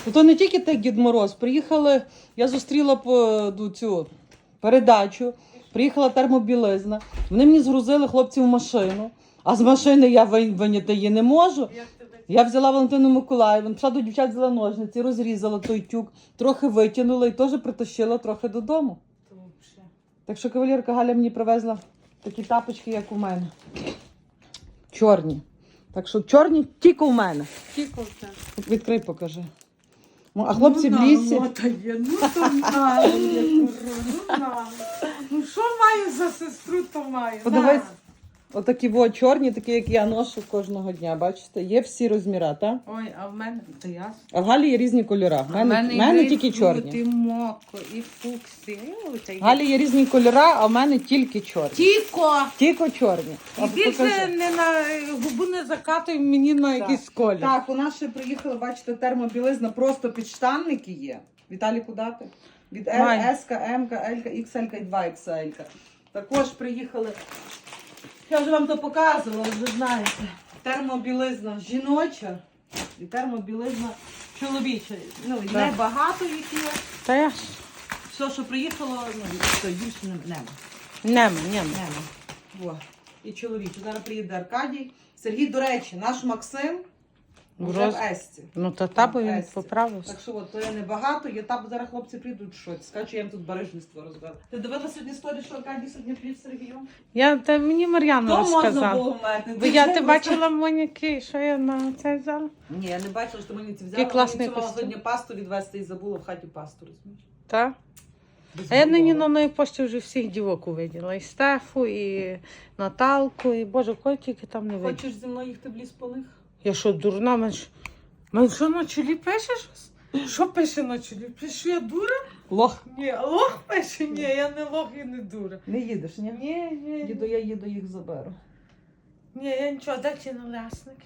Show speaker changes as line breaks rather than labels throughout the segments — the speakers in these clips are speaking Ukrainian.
То не тільки так Дід Мороз. Приїхали, я зустріла цю передачу, приїхала термобілизна. Вони мені згрузили хлопців в машину, а з машини я виняти її не можу. Я взяла Валентину Миколаївну, пішла до дівчат, взяла ножниці, розрізала той тюк, трохи витягнула і теж притащила трохи додому. Так що кавалерка Галя мені привезла такі тапочки, як у мене. Чорні. Так що чорні тільки у мене.
Тільки в тебе.
Відкрий, покажи. А хлопці в лісі.
Ну що маю за сестру, то маю.
Подивись. Отакі чорні, такі, як я ношу кожного дня, бачите? Є всі розміри, так?
Ой, а в мене, то ясно.
А в Галі є різні кольори. В мене тільки чорні.
І моко, і фуксі.
В Галі є різні кольори, а в мене тільки чорні. Тільки чорні.
І більше не на губу не закатуй мені на якийсь колір.
Так, у нас ще приїхали, бачите, термобілизна, просто підштанники є. Віталіку дати? Від С, М, Л, XL і 2XL. Також приїхали. Я вже вам то показувала, вже знаєте. Термобілизна жіноча і термобілизна чоловіча. Ну, і небагато їх є.
Та я ж.
Все, що приїхало, ну, то більше нема.
Нема.
Во. І чоловіча. Зараз приїде Аркадій. Сергій, до речі, наш Максим вже в Есті.
Ну, то табу він поправився.
Так що от, то є небагато, є табу, зараз хлопці прийдуть щось. Скажуть, що я їм тут барижництво розбила. Ти дивилася сьогодні історію, що Аркадій сьогодні плів з Сергієм?
Мені Мар'яна
То можна
розказала.
було вмерти.
Бо ти бачила Моніки, що я на це взяла?
Ні, я не бачила, що мені це взяла.
Який класний
Мені мала
костюм.
сьогодні пасту відвезти і забула в хаті пасту, розумієш?
Так. А я нині на моїй пошті вже всіх дівок увиділа. І Стефу, і Наталку, і Боже, кого тільки там не виділа.
Хочеш зі мною їхати в ліс по них?
Я що, дурна? Мен що на чолі пише щось? Що пише на чолі? Пише, я дура?
Лох.
Ні, лох пише? Ні, я не лох і не дура.
Не їдеш, ні?
Ні.
Їду, я їду, їх заберу.
Ні, я нічого, де ті налесники?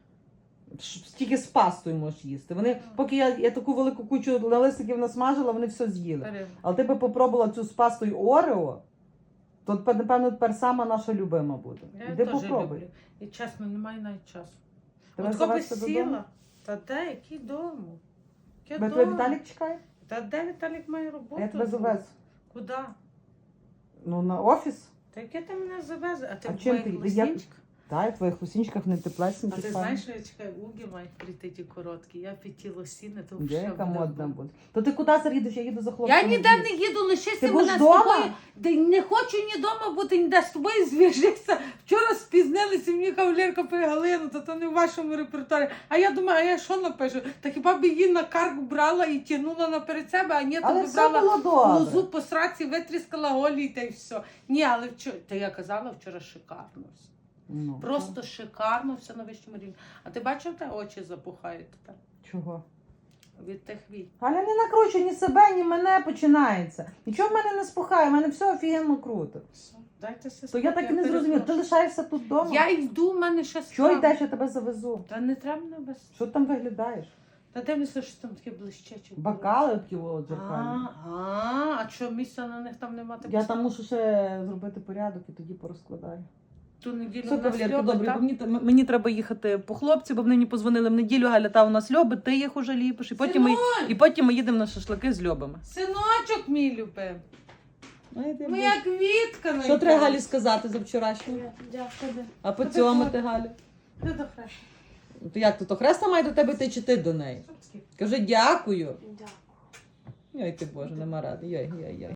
Тільки з пастою можеш їсти. Вони, поки я таку велику кучу лисиків насмажила, вони все з'їли. Але ти би попробувала цю з пастою Орео, то, напевно, тепер сама наша любима буде.
Я
Іди
теж
попробуй.
люблю. І чесно, немає навіть часу.
Тебе
От коли
завезти додому?
сіла, та де, який дому?
Тебе твій Віталік чекає?
Та де Віталік має роботу?
Я тебе завезу.
Куди?
Ну, на офіс.
Та яке ти мене завезе? А ти
А
в
чим
моїх
ти? Я-
лосінчиках?
Так, в твоїх хусінчиках не теплесенькі.
А ти знаєш, що я чекаю, уги мають прийти ті короткі. Я під ті лосіни, то
Де
вже
яка
буде
модна
бомба.
буде? То ти куди зараз їдеш? Я їду за хлопцем.
Я ніде не їду, лишися
Ти будеш
мене з
вдома?
тобою. Не хочу ні вдома бути, ніде з тобою зв'яжися. Вчора спізнилися, мені кавалерка пише: Галина, то не в вашому репертуарі. А я думаю, а я що напишу? Та хіба б її на карк брала і тягнула наперед себе, а ні, то
Але
би
все
брала
було добре.
лозу по сраці, витріскала голі та й все. Ні, але вчора, та я казала, вчора шикарно все.
Ну,
Просто шикарно, все на вищому рівні. А ти бачив, те очі запухають тепер
чого?
від тих вій?
Галя, не накручуй ні себе, ні мене починається. Нічого в мене не спухає, в мене все офігенно круто.
Все, дайте
То я так і не зрозуміла. Ти лишаєшся тут вдома?
Я йду, в мене ще
Що
справа.
йдеш, я тебе завезу?
Та не треба мене без.
Що ти там виглядаєш?
Та дивлюся, що там таке блищече.
Бокали такі дзеркальні.
А що, місця на них там нема?
Я там мушу ще зробити порядок і тоді порозкладаю.
Ту неділю
Все,
в нас
кавалерки,
льоби,
добре,
так?
бо мені треба їхати по хлопці, бо мені позвонили в неділю, Галя, та у нас льоби, ти їх уже ліпиш, і потім ми їдемо на шашлики з льобами.
Синочок мій любив. Моя квітка.
Що треба Галі сказати за вчорашнє?
Дякую.
А поцьомати Галю?
Ти до хрешу.
То як то Хреста має до тебе йти чи ти до неї? Кажи дякую.
Дякую.
Йой ти Боже, нема ради. Йой.